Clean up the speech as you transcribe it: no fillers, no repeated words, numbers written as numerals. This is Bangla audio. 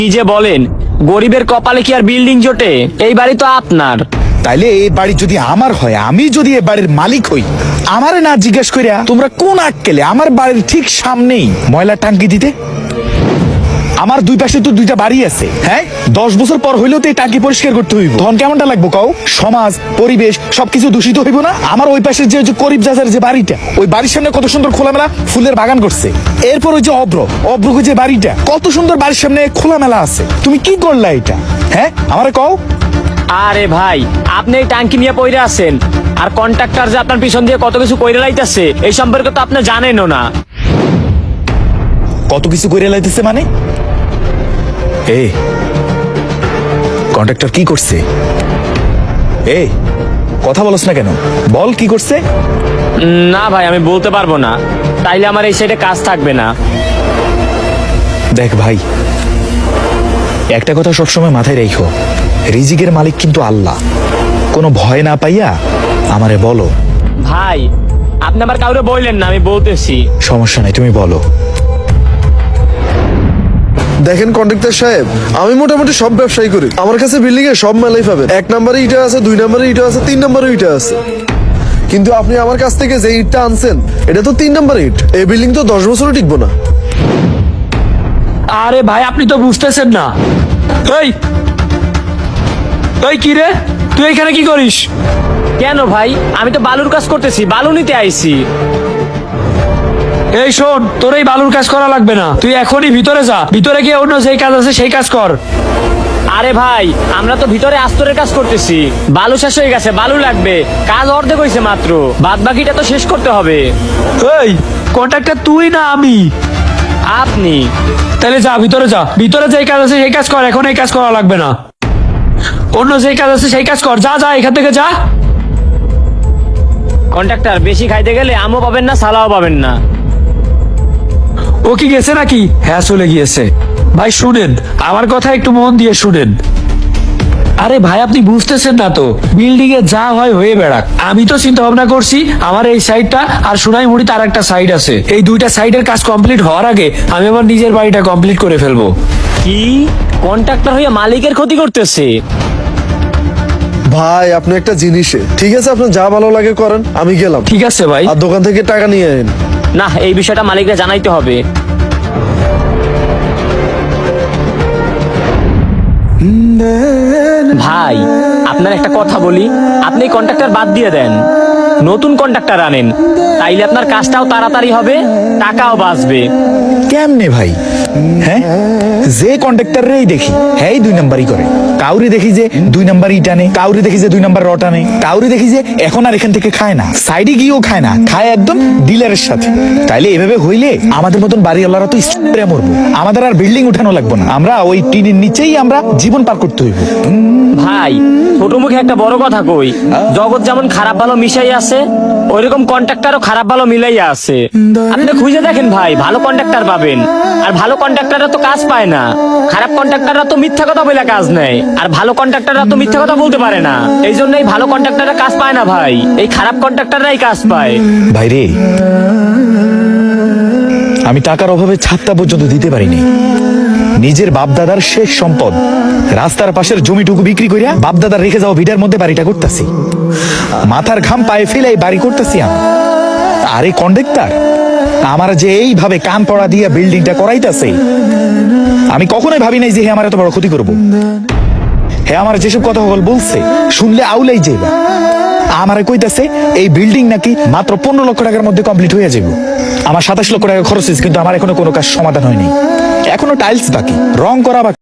কি যে বলেন, গরিবের কপালে কি আর বিল্ডিং জোটে? এই বাড়ি তো আপনার। তাইলে এই বাড়ি যদি আমার হয়, আমি যদি এই বাড়ির মালিক হই, আমারে না জিজ্ঞেস করিয়া তোমরা কোন আক্কেলে আমার বাড়ির ঠিক সামনেই ময়লা টাঙ্কি দিতে? আমার দুই পাশে তো দুইটা বাড়ি আছে, হ্যাঁ? 10 বছর পর হইলেও তো এই টাঙ্কি পরিষ্কার করতে হইব। তখন কেমনটা লাগবো কও? সমাজ, পরিবেশ সবকিছু দূষিত হইব না? আমার ওই পাশের যে করিব চাচার যে বাড়িটা, ওই বাড়ির সামনে কত সুন্দর খোলামেলা ফুলের বাগান করছে। এরপর ওই যে অব্রকে যে বাড়িটা, কত সুন্দর বাড়ির সামনে খোলামেলা আছে। তুমি কি করলা এটা, হ্যাঁ? আমারে কও। আরে ভাই, আপনি এই টাঙ্কি নিয়ে পইরে আছেন, আর কন্ট্রাক্টর যে আপনার পিছন দিয়ে কত কিছু কইরে লাইতেছে এই সম্পর্কে তো আপনি জানেনও না। কত কিছু করে লাইতেছে মানে? এ কন্ট্রাক্টর কি করছে? কথা বলছ না কেন? বল কি করছে? না ভাই, আমি বলতে পারবো না, তাইলে আমার এই সাইডে কাজ থাকবে না। দেখ ভাই, একটা কথা সবসময় মাথায় রেখো, রিজিকের মালিক কিন্তু আল্লাহ। কোনো ভয় না পাইয়া আমারে বলো। ভাই, আপনি আবার কাউরে বললেন না, আমি বলতেছি। সমস্যা নাই, তুমি বলো। দেখেন কন্ট্রাক্টর সাহেব, আমি মোটামুটি সব ব্যবসায়ী করি। আমার কাছে বিল্ডিং এ সব মেলাই পাবেন। 1 নম্বরে ইটা আছে, 2 নম্বরে ইটা আছে, 3 নম্বরে ইটা আছে। কিন্তু আপনি আমার কাছ থেকে যে ইটটা আনছেন, এটা তো 3 নম্বর ইট। এই বিল্ডিং তো 10 বছরও টিকবো না। আরে ভাই, আপনি তো বুঝতেছেন না। এই কি রে, তুই এখানে কি করিস? কেন ভাই, আমি তো বালুর কাজ করতেছি, বালু নিতে আইছি। এই শোন, তোর এই বালুর কাজ করা লাগবে না, তুই এখনই ভিতরে যা, ভিতরে গিয়ে অন্য যেই কাজ আছে সেই কাজ কর। আরে ভাই, আমরা তো ভিতরে আস্তরের কাজ করতেছি, বালু শেষ হয়ে গেছে, বালু লাগবে, কাজ অর্ধেক হয়েছে মাত্র, বাদ বাকিটা তো শেষ করতে হবে। এই কন্ট্রাক্টর তুই না আমি? আপনি। তাহলে যা, ভিতরে যা, ভিতরে যেই কাজ আছে সেই কাজ কর, এখন এই কাজ করা লাগবে না, অন্য যেই কাজ আছে সেই কাজ কর। যা যা, এখান থেকে যা। কন্ট্রাক্টর, বেশি খাইতে গেলে আমও পাবেন না, সালাও পাবেন না। ও কি গেছে নাকি? হ্যাঁ, চলে গিয়েছে। ভাই শুনেন, আমার কথা একটু মন দিয়ে শুনেন। আরে ভাই, আপনি বুঝতেছেন না তো, বিল্ডিং এ যা হয় হয়ে বেড়াক। আমি তো চিন্তা ভাবনা করছি, আমার এই সাইডটা আর সোনাইমুড়ি তার একটা সাইড আছে, এই দুইটা সাইডের কাজ কমপ্লিট হওয়ার আগে আমি আমার নিজের বাড়িটা কমপ্লিট করে ফেলবো। কি কন্ট্রাক্টর হয়ে মালিকের ক্ষতি করতেছে? ভাই আপনি একটা জিনিসে ঠিক আছে, আপনার যা ভালো লাগে করেন, আমি গেলাম। ঠিক আছে ভাই। আর দোকান থেকে টাকা নিয়ে আইন। না, এই বিষয়টা মালিকরা জানাইতে হবে। ভাই, আপনার একটা কথা বলি, আপনি কন্ট্রাক্টর বাদ দিয়ে দেন, নতুন কন্ট্রাক্টর আনেন, তাইলে আপনার কাজটাও তাড়াতাড়ি হবে, টাকাও বাঁচবে। কেমনে ভাই? হ্যাঁ, যে কন্ট্রাক্টরেই দেখি হ্যাঁ 2 নাম্বারই করে। কাউরি দেখি যে 2 নাম্বারই টানে, কাউরি দেখি যে 2 নাম্বার রড টানে, কাউরি দেখি যে এখন আর এখান থেকে খায় না, সাইডে গিয়েও খায় না, খায় একদম ডিলারের সাথে। তাইলে এভাবে হইলে আমাদের মতন বাড়িওয়ালারা তো স্ট্রে মরবো, আমাদের আর বিল্ডিং উঠানো লাগবে না, আমরা ওই টিনের নিচেই আমরা জীবন পার করতে হইব। ভাই, ছোট মুখে একটা বড় কথা কই, জগৎ যেমন খারাপ ভালো মিশাই আছে, ওইরকম কন্ট্রাক্টরও খারাপ ভালো মিলাইয়া আছে। আপনি খুঁজে দেখেন ভাই, ভালো কন্ট্রাক্টর পাবেন। আর ভালো কন্ট্রাক্টররা তো কাজ পায় না, খারাপ কন্ট্রাক্টররা তো মিথ্যা কথা বলে কাজ নেয়, আর ভালো কন্ট্রাক্টররা তো মিথ্যা কথা বলতে পারে না। এই জন্যই ভালো কন্ট্রাক্টররা কাজ পায় না ভাই, এই খারাপ কন্ট্রাক্টররাই কাজ পায়। ভাই রে, আমি টাকার অভাবে ছাদটা পর্যন্ত দিতে পারিনি। নিজের বাপদাদার শেষ সম্পদ রাস্তার পাশের জমিটুকু বিক্রি করিয়া বাপদাদার রেখে যাওয়া ভিটার মধ্যে বাড়িটা করতেছি, মাথার ঘাম পায়ে ফেলে এই বাড়ি করতেছি আমি। আরে কন্ডাক্টর, আমার যে এইভাবে কান পড়া দিয়া বিল্ডিংটা করাইতেছে, আমি কখনোই ভাবি নাই যে হে আমার এত বড় ক্ষতি করবো। হে আমার যেসব কথা বলছে শুনলে আউলাই যাইবা। আমারে কইতাছে এই বিল্ডিং নাকি মাত্র 15 লক্ষ টাকার মধ্যে কমপ্লিট হয়ে যাবে। আমার 27 লক্ষ টাকা খরচ হয়েছে, কিন্তু আমার এখনো কোনো কাজ সমাধান হয়নি, এখনো টাইলস বাকি, রং করা বাকি।